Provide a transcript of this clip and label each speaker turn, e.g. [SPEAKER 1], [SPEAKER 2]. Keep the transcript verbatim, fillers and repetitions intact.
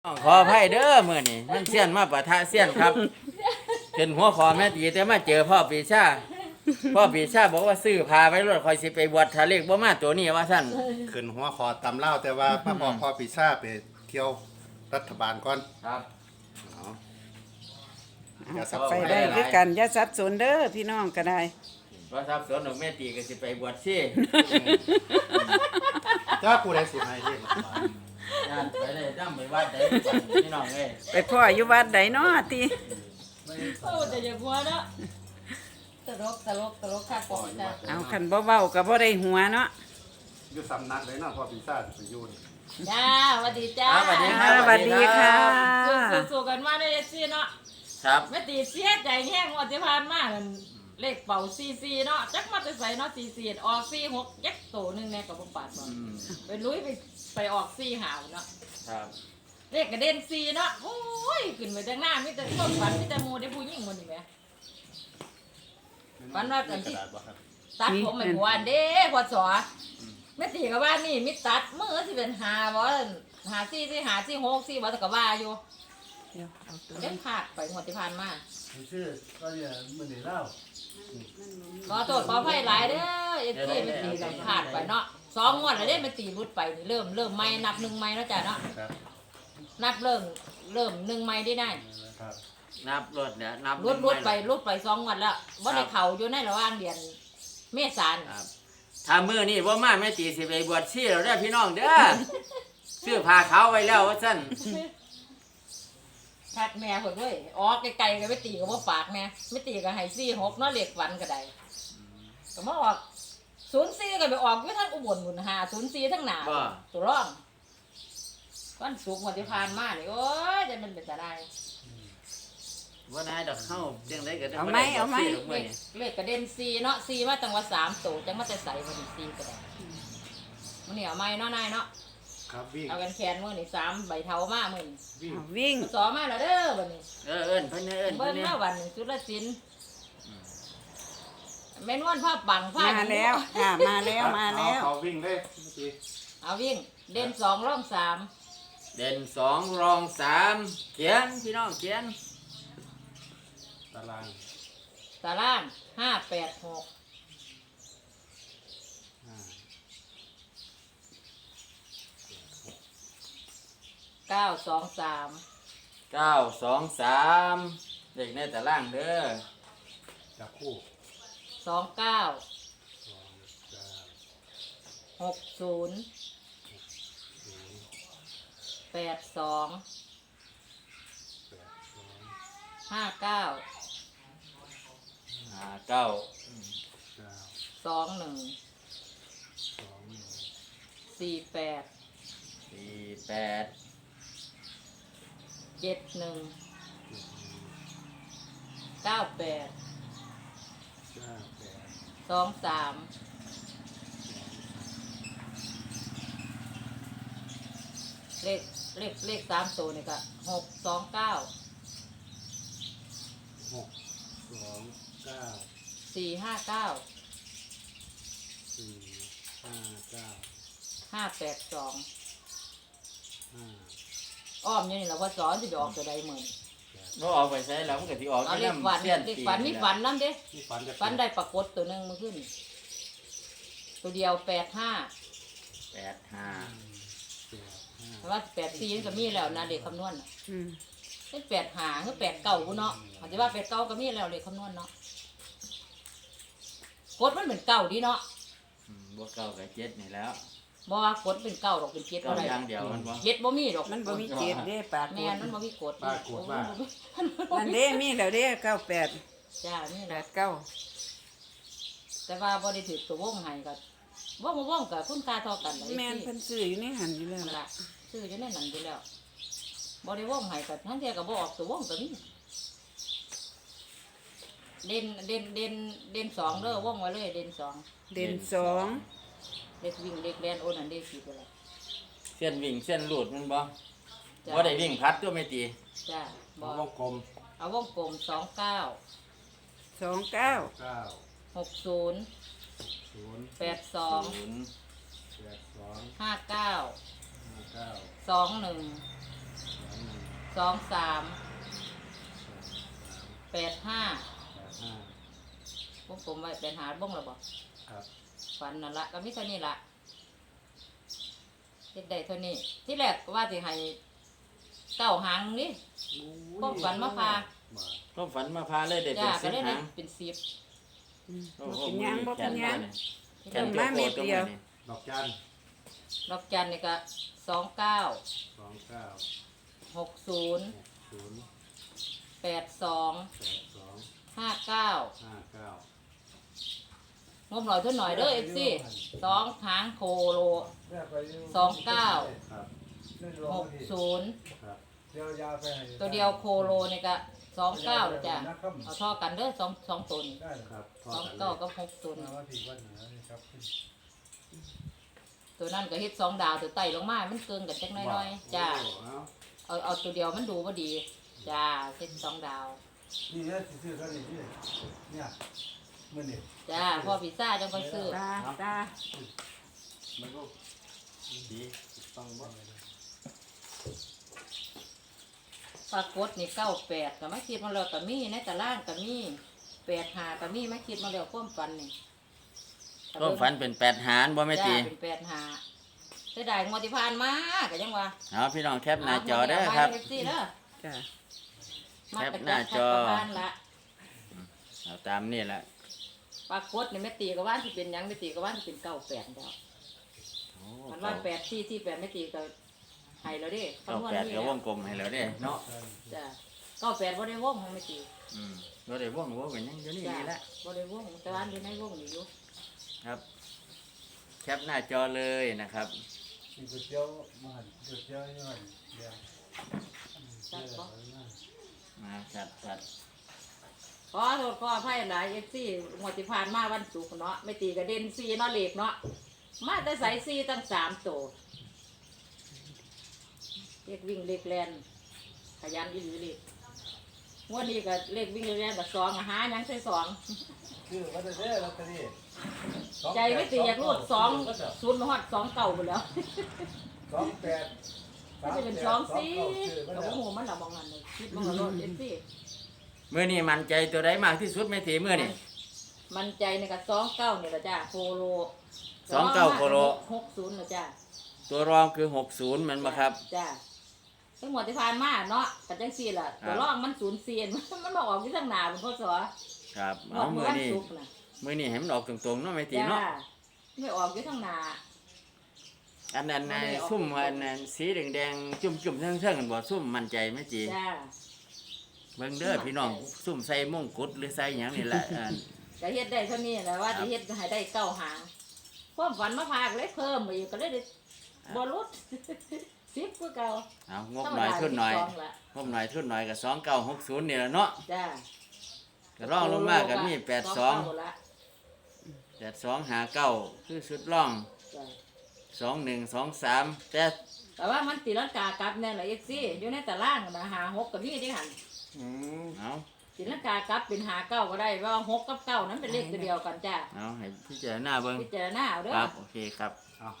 [SPEAKER 1] ขออภัยเด้อมื้อนี้มันเสี้ยนมาปะทะเสี้ยนครับเป็นหัวขอแม่ตีแต่มาเจอพ่อปีชาพ่อปีชาบอกว่าซื้อพาไปรถคอยสิไปบวชทะเลขบ่มาตัวนี้ว่าซั่น
[SPEAKER 2] ขึ้นหัวคอตำเล่าแต่ว่ามาบอกพ่อปีซ่าไปเที่ยวรัฐบาลก่อน
[SPEAKER 1] ครับ
[SPEAKER 2] เอาอย่าสับ
[SPEAKER 3] ไป
[SPEAKER 2] สน
[SPEAKER 3] ได้คือกันอย่าสับสนเด้อพี่น้องก็ได้
[SPEAKER 1] ว่าทรัพย์สนของแม่ตีก็สิไปบวชซี่
[SPEAKER 2] จ้าผู้ใดสิให้เฮ็ด
[SPEAKER 1] ย่านไปได้นำไปวัดได้พี่น้องเอ้ย
[SPEAKER 3] ไปพ่ออยู่วัดใดเนาะติ
[SPEAKER 4] โอ้แต่อย่าหัวเนาะตลกตลกตลกค่ะปอยจ้ะ
[SPEAKER 3] เอาคันบ่เว้าก็บ่ได้หัวเนาะ
[SPEAKER 2] อยู่สำนักเลยเนาะพ่อปีซ่าสิไปอยู่นี่
[SPEAKER 4] จ้าสวัสดีจ้า
[SPEAKER 1] ครับสวัสดีค
[SPEAKER 3] อ่า
[SPEAKER 1] รับ
[SPEAKER 3] สวัสดีค่ะ
[SPEAKER 4] สู้ๆกันมาได้ซี่เนาะ
[SPEAKER 1] ครับ
[SPEAKER 4] แม่ตีเสียใจแห้งงวดที่ผ่านมานั่นเลขเป่าซีซีเนาะจักมาแต่ใส่เนาะซีซีออกซีหกยักษ์โตหนึงแน่กับบ่ปาดบ่
[SPEAKER 1] อืม
[SPEAKER 4] ไปลุยไปไปออกซีหาวเนาะ
[SPEAKER 1] ครับ
[SPEAKER 4] เลขกระเด็นซีเนาะโอ้ยขึ้นไปจังหน้ามีแต่ความฝันมีแต่หมู่ได้ผู้หญิงหมดนี่แหม วันว่ากันที่
[SPEAKER 2] กระดาษบ่ครับ
[SPEAKER 4] ตัดผมไม่หวานเด้พอสอแม่ตีกับว่านี่มิตัดมือสิเป็นหาบ่หาซี่สิหาซี่หกซี่บ่แต่ก็ว่าอยู่
[SPEAKER 3] เดี๋ยวเอาตัว
[SPEAKER 4] เล่นขาดไปงวดที่ผ่านมา
[SPEAKER 5] ชื่อก็อย่ามือหนีเล่า
[SPEAKER 4] ขอโทษขออภัยหลายเด้อเอ็ดที่ไม่ตีกันขาดไปเนาะสองงวดแล้วเด้ไม่ตีรุดไปนี่เริ่มเริ่มไม่นับหนึ่งไม่แล้วจ้ะเนาะ
[SPEAKER 2] ครับ
[SPEAKER 4] นับเริ่มเริ่มหนึ่งไม่ได้ได้
[SPEAKER 2] ครับ
[SPEAKER 1] นับรถเนี่ยนับ
[SPEAKER 4] รุดรุดไปรุดไปสองงวดแล้วบ่ได้เข่าอยู่ในระหว่างเดือนเมษายน
[SPEAKER 1] ครับถ้ามื้อนี้บ่มาแม่ตีสิไปบวชซี่แล้วเด้อพี่น้องเด้อซื้อผ้าขาวไว้แล้วว่าซั่น
[SPEAKER 4] ทัดแม่เพิ่นเว้ยออกไกลๆก็ไม่ตีก็บ่ปากแม่ไม่ตีก็ให้ซี่หกเนาะเลขฝันก็ได้ก็มาออกศูนย์สี่ก็ไปออกอยู่ทั้งอุบลพุ่นหาศูนย์สี่ทั้งหน้าตัวร่องวันศุกร์วันที่ผ่านมานี่โอ้ยจะมันเป็นตาได้
[SPEAKER 1] ว่าได้ดอกเข้าจังได๋ก็ด้
[SPEAKER 3] เอาไหมเอาไหม
[SPEAKER 4] เลขเลขกระเด็นซีเนาะซีมาตั้งว่าสามโตจังมาแต่ใส่วันนี้ซีก็ได้มันนี่เอาไม้เนาะนายเนาะ
[SPEAKER 2] ครับวิ่ง
[SPEAKER 4] เอากันแขนมือนี่สามใบเท้ามามือนี่
[SPEAKER 2] วิ่ง
[SPEAKER 3] เอาวิ่ง
[SPEAKER 4] สอมาแล้วเด้อวันนี้
[SPEAKER 1] เออเอิ้นเพิ่นเอิ้น
[SPEAKER 4] เบิ้
[SPEAKER 1] เพิ่
[SPEAKER 4] ล
[SPEAKER 1] นนี่
[SPEAKER 4] มาวันหนึ่งจุลศิลป์แม่นวนผ้าปังผ้า
[SPEAKER 3] มาแล้วค่ะมาแล้วมาแล้ว
[SPEAKER 2] เอเขาวิ่งเลยเมื่อกี้
[SPEAKER 4] เอาวิ่งเด่นสองร่องสาม
[SPEAKER 1] เด่นสองรองสามเขียนพี่น้องเขียน
[SPEAKER 2] ตาราง
[SPEAKER 4] ตารางห้าแปดหก
[SPEAKER 2] ห้า
[SPEAKER 4] เก้าสองสาม
[SPEAKER 1] เก้าสองสามเด็กในตารางเด้อ
[SPEAKER 2] จับคู่
[SPEAKER 4] สองเก้า
[SPEAKER 2] สองเก้า
[SPEAKER 4] หกศูนย์
[SPEAKER 2] ศูนย์
[SPEAKER 4] แปดสอง
[SPEAKER 2] แปดสอง
[SPEAKER 4] ห้าเก้า
[SPEAKER 1] ห้าเก้า
[SPEAKER 2] เก้า
[SPEAKER 4] สองหนึ่ง
[SPEAKER 2] สองหนึ่ง
[SPEAKER 4] สี่แปด
[SPEAKER 1] สี่แปด
[SPEAKER 4] เจ็ดหนึ่ง
[SPEAKER 2] เจ็ดหนึ่ง
[SPEAKER 4] เก้าแปด
[SPEAKER 2] เก้าแปด
[SPEAKER 4] สองสาม เลขเลขเลขสามตัวนี่ก็หกสองเก้า
[SPEAKER 2] หกสองเก้า
[SPEAKER 4] สี่ห้าเก้า
[SPEAKER 2] สี่ห้าเก้า
[SPEAKER 4] ห้าแปดสอง
[SPEAKER 2] ห้า
[SPEAKER 4] อ้อมอยู่นี่เราพอสอนจะไปออกตัวใดเหมือน
[SPEAKER 1] บ่ออกไปใช้แล้วมันก็สิออก
[SPEAKER 4] เอาเลข
[SPEAKER 1] นำ
[SPEAKER 4] ฝัน
[SPEAKER 1] เสี้ยน
[SPEAKER 4] เลข
[SPEAKER 1] ตี
[SPEAKER 4] ฝันนี่ฝันน้ำเด้
[SPEAKER 2] นี่ฝันจะ
[SPEAKER 4] ฝันได้ปรากฏตัวหนึ่งมาขึ้น ตัวเดียวแปดห้า
[SPEAKER 1] แปดห้า
[SPEAKER 2] แปดห้า
[SPEAKER 4] เพราะว่าแปดสี่นี่ก็มีแล้วนะเลขคำนวณน่ะ
[SPEAKER 3] อืม
[SPEAKER 4] เป็นแปดหาคือแปดเก่ากูเนาะอาจจะว่าแปดเก่าก็มีแล้วเลขคำนวณเนาะกดมันเหมือนเก่าดีเนาะ
[SPEAKER 1] อืมบ่เก้ากับเจ็ดนี่แล้ว
[SPEAKER 4] บ่ว่ากดเป็นเก่าหรอกเป็นเจ็ด
[SPEAKER 1] เก้า
[SPEAKER 4] บ่ได้
[SPEAKER 1] อย่างเดียวมันบ่
[SPEAKER 4] เจ็ดบ่มีหรอก
[SPEAKER 3] มันบ่มีเจ็ดเด้ปาก
[SPEAKER 4] แม่นมันบ่มีกด
[SPEAKER 2] ป้ากดว่า
[SPEAKER 3] นั่นเด้มีแล้วเด้เก้าแปด
[SPEAKER 4] จ้านี่
[SPEAKER 3] แป
[SPEAKER 4] แหละ
[SPEAKER 3] ดเก้า
[SPEAKER 4] แต่ว่าบ่ได้ถือตัววงให้ก็ว่องบ่ว่องกับคุณค่าเท่ากันเลย
[SPEAKER 3] แม่นเพิ่นซื้ออยู่ในหันอยู่แล้ว
[SPEAKER 4] นั่น
[SPEAKER 3] ล่ะ
[SPEAKER 4] ล่ะซื้ออยู่ในนั้นอยู่แล้วบ่ได้ว่องให้ก็ทั้งเที่ยก็บ่ออกตัววงก็มีเด่นเด่นเด่นเด่นสองเด้อว่องไว้เลยเด่นสอง
[SPEAKER 3] เด่นสอง
[SPEAKER 4] เด็กวิ่งเด็กแล่นโอ้นั่นเด็กสิไปแล้ว
[SPEAKER 1] เส้นวิ่งเส้นหลุดมันบ่
[SPEAKER 4] จ้า
[SPEAKER 1] บ่ได้วิ่งพัดตัวไม่ตี
[SPEAKER 4] จ้าบ่
[SPEAKER 2] วงกลม
[SPEAKER 4] เอาวงกลมสองเก้า
[SPEAKER 3] สองเก้า
[SPEAKER 2] เก้า
[SPEAKER 4] หกศูนย์
[SPEAKER 2] ศูนย์
[SPEAKER 4] แปดสอง
[SPEAKER 1] ศูนย์
[SPEAKER 2] แปดสอง
[SPEAKER 4] ห้าเก้า
[SPEAKER 2] ห้าเก้า
[SPEAKER 4] สองหนึ่ง
[SPEAKER 2] สอง
[SPEAKER 4] สองสามแปดห้า
[SPEAKER 5] แปดห้า
[SPEAKER 4] พวกผมไว้เป็นหาบ้งระบอก
[SPEAKER 5] ครับ
[SPEAKER 4] ฝันนั่นละก็มีเท่านี้ละเฮ็ดได้เท่านี้ ที่แรกก็ว่าสิให้เก้าหางนี่พวกฝันมาพา
[SPEAKER 5] มา
[SPEAKER 1] ก็ฝันมาพาเลยได้เป็
[SPEAKER 4] จ้าน ก็
[SPEAKER 1] สิบ
[SPEAKER 4] ได้
[SPEAKER 1] หาง
[SPEAKER 4] เป็นสิบ
[SPEAKER 3] อืม
[SPEAKER 1] โอ้
[SPEAKER 3] บ่
[SPEAKER 1] โห
[SPEAKER 3] เป็นหยังบ่เป็นหยัง
[SPEAKER 1] แขน
[SPEAKER 3] เริ่ม
[SPEAKER 1] โจ
[SPEAKER 3] มา
[SPEAKER 1] โก
[SPEAKER 3] เม็ด
[SPEAKER 1] ตัว
[SPEAKER 3] เดียว
[SPEAKER 1] นี้
[SPEAKER 2] ดอกจัน
[SPEAKER 4] ดอกจันนี่ก็สองเก้า
[SPEAKER 2] สองเก้า
[SPEAKER 4] หกศูนย์
[SPEAKER 2] หกศูนย์
[SPEAKER 4] แปดสอง
[SPEAKER 2] แปดสอง
[SPEAKER 4] ห้าเก้า
[SPEAKER 2] ห้าเก้าง
[SPEAKER 4] บหน่อยเท่าหน่อยเด้อเอฟซีสองหางโคโล
[SPEAKER 5] แม่ไปยู่
[SPEAKER 4] สองเก้า
[SPEAKER 2] ครับ
[SPEAKER 5] เล่นรอ
[SPEAKER 4] ห
[SPEAKER 5] ง
[SPEAKER 4] ก
[SPEAKER 5] นี่
[SPEAKER 4] ศูนย์
[SPEAKER 2] ครับ
[SPEAKER 5] เดี๋ยวยาไปให้
[SPEAKER 4] ตัวเดียวโคโลนี่ก็สองเก้าจ้ะเอาท่อกันเด้อสองสองตัวนี่
[SPEAKER 5] ได้เหรอ
[SPEAKER 2] ครับพอ
[SPEAKER 4] สอง
[SPEAKER 2] กันเล
[SPEAKER 4] เก้าย กับหกศูนย์
[SPEAKER 5] มาว่าที่วัดเหนือนี่ครับ
[SPEAKER 4] ตัวนั้นก็เฮ็ดสองดาวตัวไต่ลงมา มันเกินกันจักหน้อยๆจ้า
[SPEAKER 2] โอ้เอา
[SPEAKER 4] เอาเอาตัวเดียวมันดูบ่ดีจ้าเฮ็ดสองดาว
[SPEAKER 5] นี่เนี่ยสิซื้อเท่านี้นี่เนี่ยมื้อนี้
[SPEAKER 4] จ้าพ่อพิซซ่าจังค่อยซื้อ
[SPEAKER 3] ตาตา
[SPEAKER 2] มันก็ดีต้องบ่
[SPEAKER 4] ปรากฏนี่เก้าแปดก็มาคิดมาแล้วก็มีในตารางก็มีแปดห้าก็มีมาคิดมาแล้วความฝันนี่
[SPEAKER 1] ก็ฝันเป็นแปดหารบ่แม่ตี
[SPEAKER 4] จ้าเป็นแปดห้าเสียดายงวดที่ผ่านมาก็ยังว่า
[SPEAKER 1] เอาพี่น้องแคปหน้าจอเด้อครับ
[SPEAKER 4] เอฟซีเด้อ
[SPEAKER 3] จ้ะ
[SPEAKER 4] มา
[SPEAKER 1] แคป
[SPEAKER 4] กระ
[SPEAKER 1] หน้า
[SPEAKER 4] จัด
[SPEAKER 1] จอ
[SPEAKER 4] ประมาณละ
[SPEAKER 1] เอาตามนี่แหละ
[SPEAKER 4] ปรากฏนี่แม่ตีก็ว่าสิเป็นหยังแม่ตีก็ว่าสิเป็นเก้าแปดแล้ว
[SPEAKER 1] โอ้
[SPEAKER 4] มันว่าแปดที่ที่แปดแม่ตีก็ให้แล้วเด้
[SPEAKER 1] เก้า
[SPEAKER 4] คำนวณ
[SPEAKER 1] แปด
[SPEAKER 4] นี่
[SPEAKER 1] ก็วงกลมให้แล้วเด้เนาะ
[SPEAKER 4] จ้ะเก้าแปดบ่ได้วงให้แม่ตี
[SPEAKER 1] อืมบ่ได้วงวงกันยังอยู่นี่
[SPEAKER 4] จ้ะ
[SPEAKER 1] นี่แหละ
[SPEAKER 4] บ่ได้วงแต่ว่าอยู่ในวงนี่อยู่
[SPEAKER 1] ครับ แคปหน้าจอเลยนะครับ
[SPEAKER 5] มีก๋วยเตี๋ยวมาหั่นก๋วยเตี๋ยวนี่หั่นเดี๋ยว
[SPEAKER 4] จัดบ่
[SPEAKER 1] มาจัดจัด
[SPEAKER 4] ขอโทษขออภัยหลาย เอฟ ซี งวดที่ผ่านมาวันศุกร์เนาะแม่ตีก็เด่นสี่เนาะเลขเนาะมาแต่ใส่สี่ตั้งสามตัวเลขวิ่งเลขแล่นขยันอีหลีเลขงวดนี้ก็เลขวิ่งเลขแล่นก็สองอะหาหยังใส่สอง
[SPEAKER 5] คือวันนี้ลอตเตอรี่
[SPEAKER 4] ใจไม่ตีอยากรูดสองศูนย์ฮอดสองเก่าไปแล้ว
[SPEAKER 5] สองแปด
[SPEAKER 4] ก็จะเป็นสองสี่กับโอ้โหมันละมองกันเลยคิดมองกันรถเอฟซี
[SPEAKER 1] มื้อนี้มั่นใจตัวใดมากที่สุดแม่ตีมื้อนี้
[SPEAKER 4] มันใจในกับสองเก้าเนี่ยละจ้าโคโล
[SPEAKER 1] สองเก้าโคโล
[SPEAKER 4] หกศูนย์ละจ้า
[SPEAKER 1] ตัวรองคือหกสิบแมันบ่ครับ
[SPEAKER 4] จ้าทั้งหมดที่ผ่านมาเนาะกันจังซี่ล่ะ
[SPEAKER 1] ครับ
[SPEAKER 4] ตัวร่องมันศูนย์เซียน มันบอกออกที่ทางหนาเป็นพ่อสอ
[SPEAKER 1] ครับ
[SPEAKER 4] บอ
[SPEAKER 1] เอา
[SPEAKER 4] กเมื่
[SPEAKER 1] มื้
[SPEAKER 4] อ
[SPEAKER 1] อ
[SPEAKER 4] วัน
[SPEAKER 1] นี้
[SPEAKER 4] ศุกร์น่ะ
[SPEAKER 1] มื้อนี้ให้มันออกตรงๆเนาะแม่ตี
[SPEAKER 4] จ้า
[SPEAKER 1] เนาะ
[SPEAKER 4] ไม่ออกที่ทางหนา
[SPEAKER 1] อันนั้น
[SPEAKER 4] ไม่
[SPEAKER 1] น่ะ
[SPEAKER 4] ได้ออก
[SPEAKER 1] ซุ่มอันนั้นสีแดงๆจุ่มๆเทิงๆกันบ่ซุ่มมั่นใจแม่จี
[SPEAKER 4] จ้า
[SPEAKER 1] เบิ่งเด้อพี่น้องซุ่มใส่มงกุฎหรือใส่หยังนี่แหละอ่า
[SPEAKER 4] ก็เฮ็ดได้เท่านี้แหละว่าจะเฮ็ดให้ได้เก้าหางความฝันมาพากเลยเพิ่มไปอีกก็เลยได้บ่ลด สิบกว่าเก่า
[SPEAKER 1] เอางบหน่อยทุนหน่อย
[SPEAKER 4] ธรรมดาสิบสงละ
[SPEAKER 1] งบหน่อยทุนหน่อยก็สองเก้าหกศูนย์นี่แหละเนาะ
[SPEAKER 4] จ้า
[SPEAKER 1] ก็ร่องลงมาก็มีแปดสอง
[SPEAKER 4] เก้าละ
[SPEAKER 1] แปดสองหาเก้าคือสุดร่อง
[SPEAKER 4] จ้า
[SPEAKER 1] สองหนึ่งสองสามแต่
[SPEAKER 4] แต่ว่ามันตีลังกากลับแน่ละเอ็กซี่อยู่ในตารางนะหาหกกับพี่ที่หัน
[SPEAKER 2] อืม
[SPEAKER 1] เอา
[SPEAKER 4] ตีลังกากลับเป็นหาเก้าก็ได้ว่าหกกับเก้านั้นเป็นเลขตัวเดียวกันจ้า
[SPEAKER 1] เอาให้พิจารณาเบิ่ง
[SPEAKER 4] พิจารณาเอาเด้อ
[SPEAKER 1] ครับโอเคครับ